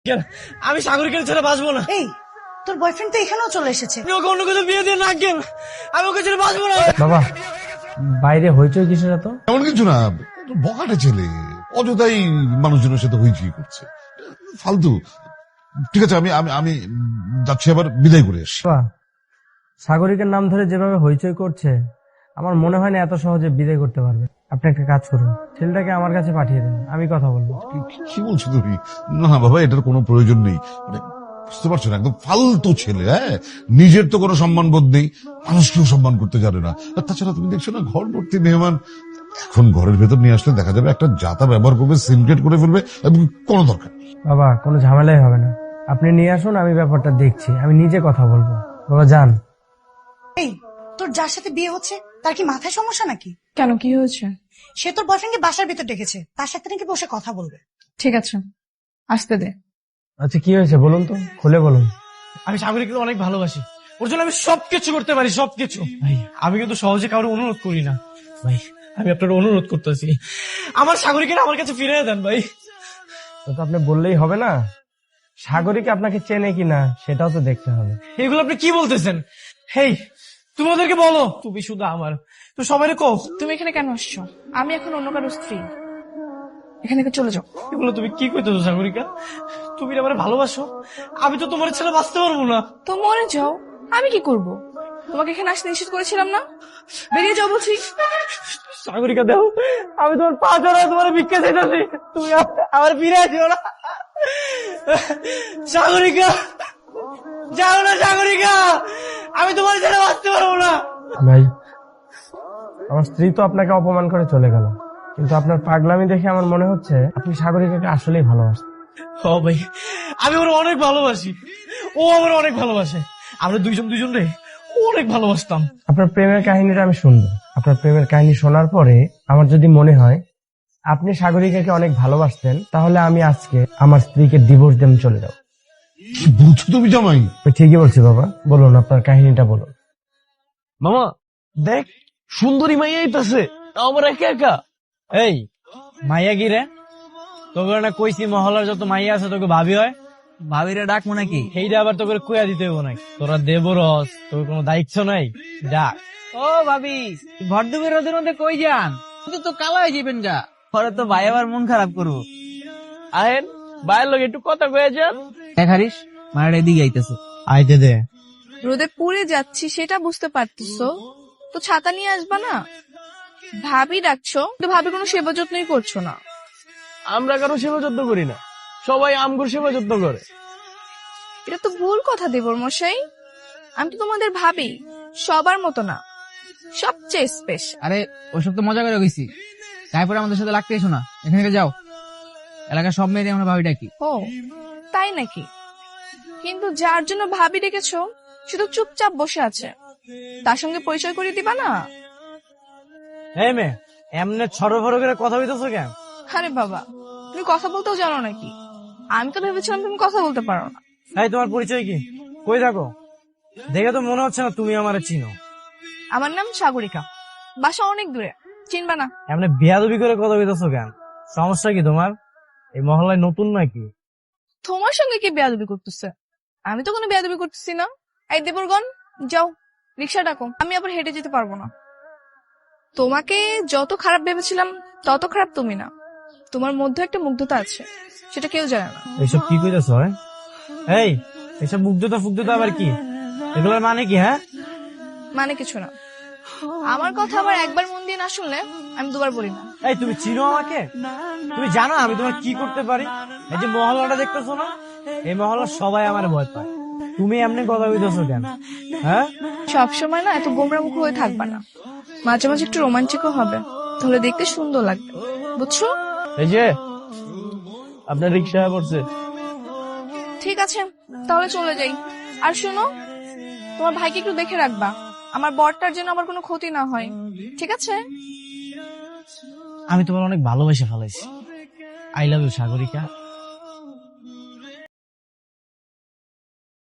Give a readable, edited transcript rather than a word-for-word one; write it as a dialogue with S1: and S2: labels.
S1: আমি সাগরিকের ছেড়ে বাঁচবো না।
S2: এই তোর বয়ফ্রেন্ড তো এখানেও চলে এসেছে।
S1: আমি ওকে অন্য কিছু বিয়ে দিয়ে না কেন, আমি ওকে ছেড়ে বাঁচবো না।
S3: বাবা বাইরে হইচই কিছু না তো?
S4: এমন কিছু না, বকাটে ছেলে অযথাই মানুষজনের সাথে হইচই করছে, ফালতু। ঠিক আছে, আমি আমি আমি যাচ্ছি, আবার বিদায় করে আসি।
S3: বাবা সাগরিকের নাম ধরে যেভাবে হইচই করছে আমার মনে হয় না এত সহজে বিদায় করতে পারবে। আপনি একটা কাজ করুন, ছেলেটাকে আমার কাছে পাঠিয়ে দেন, আমি কথা বলবো।
S4: কি বলছো তুমি? না না বাবা, এটার কোনো প্রয়োজন নেই। মানে বুঝতে পারছো না, একদম ফালতু ছেলে। হ্যাঁ, নিজের তো কোনো সম্মান বোধ নেই, মানুষকেও সম্মান করতে জানে না। আর তাছাড়া তুমি দেখছো না, ঘর ভর্তি মেহমান, এখন ঘরের ভেতর নিয়ে আসলে দেখা যাবে একটা জাতা ব্যবহার করবে, সিনক্রেট করে ফেলবে, এবং কোনো দরকার নেই।
S3: বাবা কোনো ঝামেলাই হবে না, আপনি নিয়ে আসুন, আমি ব্যাপারটা দেখছি, আমি নিজে কথা বলবো। বাবা যান।
S2: এই তোর যার সাথে বিয়ে হচ্ছে তার কি মাথায় সমস্যা নাকি?
S5: কেন, কি হয়েছে?
S2: সে তোর বয়ফ্রেন্ডকে বাসার ভিতর ডেকেছে, তার সাথে নাকি বসে কথা বলবে।
S5: ঠিক আছে, আসতে দে।
S3: আচ্ছা কি হয়েছে বলুন তো, খুলে বলুন।
S1: আমি সাগরিককে অনেক ভালোবাসি, ওর জন্য আমি সবকিছু করতে পারি, সবকিছু। ভাই আমি কিন্তু সহজে কারো অনুরোধ করি না। ভাই আমি আপনার অনুরোধ করতেছি, আমার সাগরিকের আমার কাছে ফিরিয়ে দেন ভাই।
S3: তো আপনি বললেই হবে না, সাগরিক আপনাকে চেনে কিনা সেটাও তো দেখতে হবে।
S1: এগুলো আপনি কি বলতেছেন? হেই তুমি ওদেরকে বলো তুমি শুধু আমার, তো সবাই কো।
S5: তুমি এখানে কেন আসছো? আমি এখন অন্য কারো স্ত্রী, এখান থেকে চলে যাও।
S1: এগুলো তুমি কি কইতেছো সাগরিকা? তুমি আমার ভালোবাসো, আমি তো তোমার ছেড়ে বাঁচতে পারবো না।
S5: তো মরে যাও, আমি কি করব? তোমাকে এখানে আসতে নিষেধ করেছিলাম না? বেরিয়ে যাও বলছি।
S1: সাগরিকা দেখো, আমি তোমার পা ধরে তোমার ভিক্ষা চাইতেছি, তুমি আমার ফিরে আসিও না। সাগরিকা যাও না, সাগরিকা আমি তোমার ছেড়ে বাঁচতে পারবো না।
S3: ভাই আমার স্ত্রী তো আপনাকে অপমান করে চলে গেল, কিন্তু আপনার পাগলামি দেখে আমার মনে হচ্ছে আপনি সাগরিকাকে আসলেই ভালোবাসেন।
S1: ও ভাই আমি ওর অনেক ভালোবাসি, ও আমার অনেক ভালোবাসে, আমরা দুইজন রে অনেক ভালোবাসতাম।
S3: আপনার প্রেমের কাহিনীটা আমি শুনবো। আপনার প্রেমের কাহিনী শোনার পরে আমার যদি মনে হয় আপনি সাগরিকাকে অনেক ভালোবাসতেন, তাহলে আমি আজকে আমার স্ত্রীকে ডিভোর্স দিয়ে চলে যাবো।
S4: কি বলছো তুমি জামাই?
S3: আমি ঠিকই বলছি বাবা, বলুন আপনার কাহিনীটা বলুন।
S1: মামা দেখ, সুন্দরী মাইয়া আইতাছে, তাও আমার একা একা। এই মাইয়া কি রে? তোকে না কইছি মহল্লার যত মাইয়া আছে তোকে ভাবি হয়, ভাবিরে ডাকবো নাকি? সেইটা আবার তোকে কইয়া দিতে হবো নাকি? তোরা দেবরস, তোর কোনো দায়িত্ব নাই, ডাক।
S6: ও ভাবি, ভর দুপুর রোদের মধ্যে কই যান? কিন্তু তো কালা হয়ে যাবেন গা, পরে তো ভাই আবার মন খারাপ করবো।
S1: আহেন বাইরের লোক একটু কথা কয়ে যান।
S6: দেখারিস মারা এদিকে আইতেছে।
S1: আইতে দে।
S5: রোদে পুড়ে যাচ্ছি সেটা বুঝতে পারতেছো তো, ছাতা নিয়ে আসবা না? ভাবি ডাকছো, কিন্তু ভাবি কোনো সেবা যত্নই করছো না।
S1: আমরা কারো সেবা যত্ন করি না, সবাই আমগুর সেবা যত্ন করে।
S5: এটা তো ভুল কথা দেবর মশাই, আমি তো তোমাদের ভাবি, সবার মতো না, সবচেয়ে স্পেশাল।
S6: আরে ওইসব তো মজা করে গেছি, তারপরে আমাদের সাথে লাগতে এসো না, এখান থেকে যাও। এলাকার সব মেয়েদের আমরা ভাবি ডাকি।
S5: ও তাই নাকি? কিন্তু যার জন্য ভাবি ডেকেছো শুধু চুপচাপ বসে আছে, তার সঙ্গে পরিচয় করিয়ে দিবা না?
S1: এই মেয়ে এমনি ছড়ো ফড়ো করে কথা বলতেছো কেন?
S5: আরে বাবা, তুমি কথা বলতেও জানো নাকি? আমি তো ভেবেছিলাম তুমি কথা বলতে পারো না।
S1: এই তোমার পরিচয় কি? কই থাকো? দেখে তো মনে হচ্ছে না তুমি আমারে চিনো।
S5: আমার নাম সাগরিকা, বাসা অনেক দূরে, চিনবা না।
S1: এমনি বেয়াদবি করে কথা বলতেছো কেন? সমস্যা কি তোমার? এই মহল্লায় নতুন নাকি?
S5: তোমার সঙ্গে কি বেয়াদবি করতেছে? আমি তো কোনো বেয়াদবি করতেছি না। এই দেবরগণ যাও, রিক্সা ডাকো, আমি আবার হেঁটে যেতে পারবো না। তোমাকে যত খারাপ ভেবেছিলাম তত খারাপ তুমি না, তোমার মধ্যে একটা মুগ্ধতা আছে, সেটা কেউ জানে না।
S1: এইসব কি কইতেছ? এই এইসব মুগ্ধতা ফুগ্ধতা আবার কি? এগুলোর মানে কি? হ্যাঁ
S5: মানে কিছু না, আমার কথা আবার একবার মন দিয়ে না শুনলে আমি দুবার বলি না।
S1: এই তুমি চিনো আমাকে? তুমি জানো আমি তোমার কি করতে পারি? এই যে মহল্লাটা দেখতেছো না, এই মহল্লার সবাই আমার ভয় পায়। তুমি এমনি কথা কইতেছো কেন? হ্যাঁ
S5: সবসময় না এত গোমরা মুখ হয়ে থাকবা না, মাঝে মাঝে একটু রোমান্টিকও হবে, তাহলে দেখতে সুন্দর লাগবে, বুঝছো?
S1: এই যে আপনার রিক্সা পড়ছে।
S5: ঠিক আছে তাহলে চলে যাই। আর শোনো, তোমার ভাইকে একটু দেখে রাখবা, আমার বরটার জন্য আমার কোনো ক্ষতি না হয়, ঠিক আছে?
S1: আমি তোমার অনেক ভালোবেসে ফেলাইছি। I love you Sagarika.